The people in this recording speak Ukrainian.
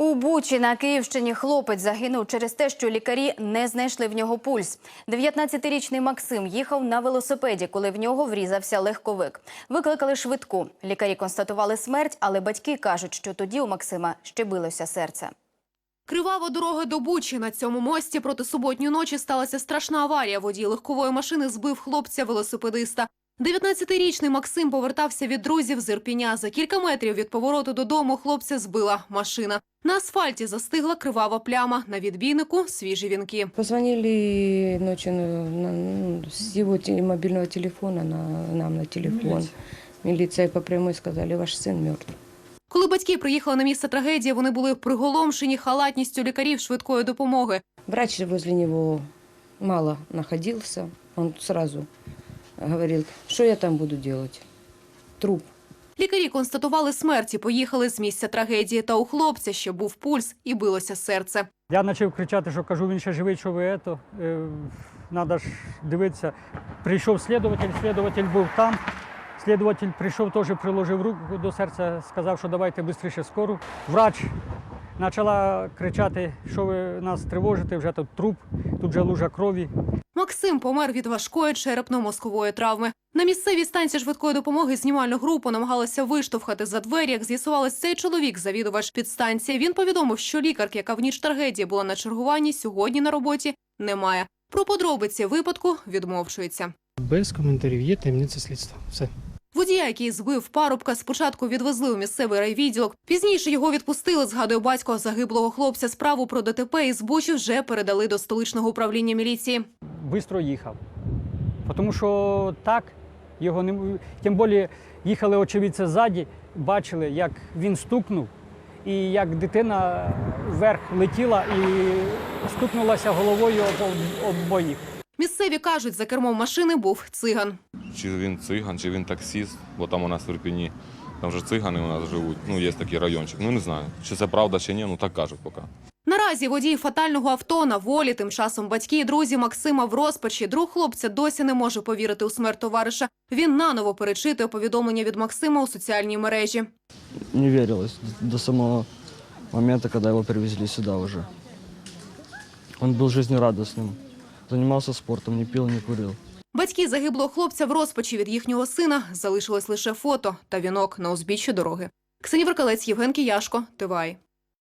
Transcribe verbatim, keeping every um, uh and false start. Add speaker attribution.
Speaker 1: У Бучі на Київщині хлопець загинув через те, що лікарі не знайшли в нього пульс. дев'ятнадцятирічний Максим їхав на велосипеді, коли в нього врізався легковик. Викликали швидку. Лікарі констатували смерть, але батьки кажуть, що тоді у Максима ще билося серце.
Speaker 2: Кривава дорога до Бучі. На цьому мості проти суботньої ночі сталася страшна аварія. Водій легкової машини збив хлопця-велосипедиста. дев'ятнадцятирічний Максим повертався від друзів з Ірпеня. За кілька метрів від повороту додому хлопця збила машина. На асфальті застигла кривава пляма. На відбійнику – свіжі вінки.
Speaker 3: Позвонили ночью на, ну, с его те- мобильного телефона на, нам на телефон. Милиция по прямой сказали, ваш сын мертв.
Speaker 2: Коли батьки приїхали на місце трагедії, вони були приголомшені халатністю лікарів швидкої допомоги.
Speaker 3: Врач возле него мало находился. Он сразу говорил, что я там буду делать? Труп.
Speaker 2: Лікарі констатували смерть і поїхали з місця трагедії. Та у хлопця ще був пульс і билося серце.
Speaker 4: Я почав кричати, що кажу, він ще живий, що ви ето. Треба ж дивитися. Прийшов слідуватель, слідуватель був там. Слідуватель прийшов, теж приложив руку до серця, сказав, що давайте швидше скору. Врач почала кричати, що ви нас тривожите, вже тут труп, тут вже лужа крові.
Speaker 2: Максим помер від важкої черепно-мозкової травми. На місцевій станції швидкої допомоги знімальну групу намагалися виштовхати за двері. Як з'ясувалось, цей чоловік – завідувач підстанції. Він повідомив, що лікарки, яка в ніч трагедії була на чергуванні, сьогодні на роботі немає. Про подробиці випадку відмовчується.
Speaker 5: Без коментарів, є таємниця слідства. Все.
Speaker 2: Водія, який збив парубка, спочатку відвезли у місцевий райвідділок. Пізніше його відпустили, згадує батько загиблого хлопця. Справу про ДТП із Бучі вже передали до столичного управління міліції.
Speaker 4: Бистро їхав. Тому що так, його не... Тим більше їхали очевидці ззаді, бачили, як він стукнув, і як дитина вверх летіла і стукнулася головою об обоїх.
Speaker 2: Місцеві кажуть, за кермом машини був циган.
Speaker 6: Чи він циган, чи він таксист, бо там у нас в Ірпені, там вже цигани у нас живуть, ну є такий райончик, ну не знаю, чи це правда, чи ні, ну так кажуть поки.
Speaker 2: Наразі водій фатального авто на волі, тим часом батьки і друзі Максима в розпачі. Друг хлопця досі не може повірити у смерть товариша. Він наново перечитує повідомлення від Максима у соціальній мережі.
Speaker 7: Не верилось до самого момента, когда его привезли сюда уже. Он был жизнерадостным, занимался спортом, не пил, не курил.
Speaker 2: Батьки загиблого хлопця в розпачі від їхнього сина. Залишилось лише фото та вінок на узбіччі дороги. Ксенія Веркалець, Євген Кияшко, ТВАЙ.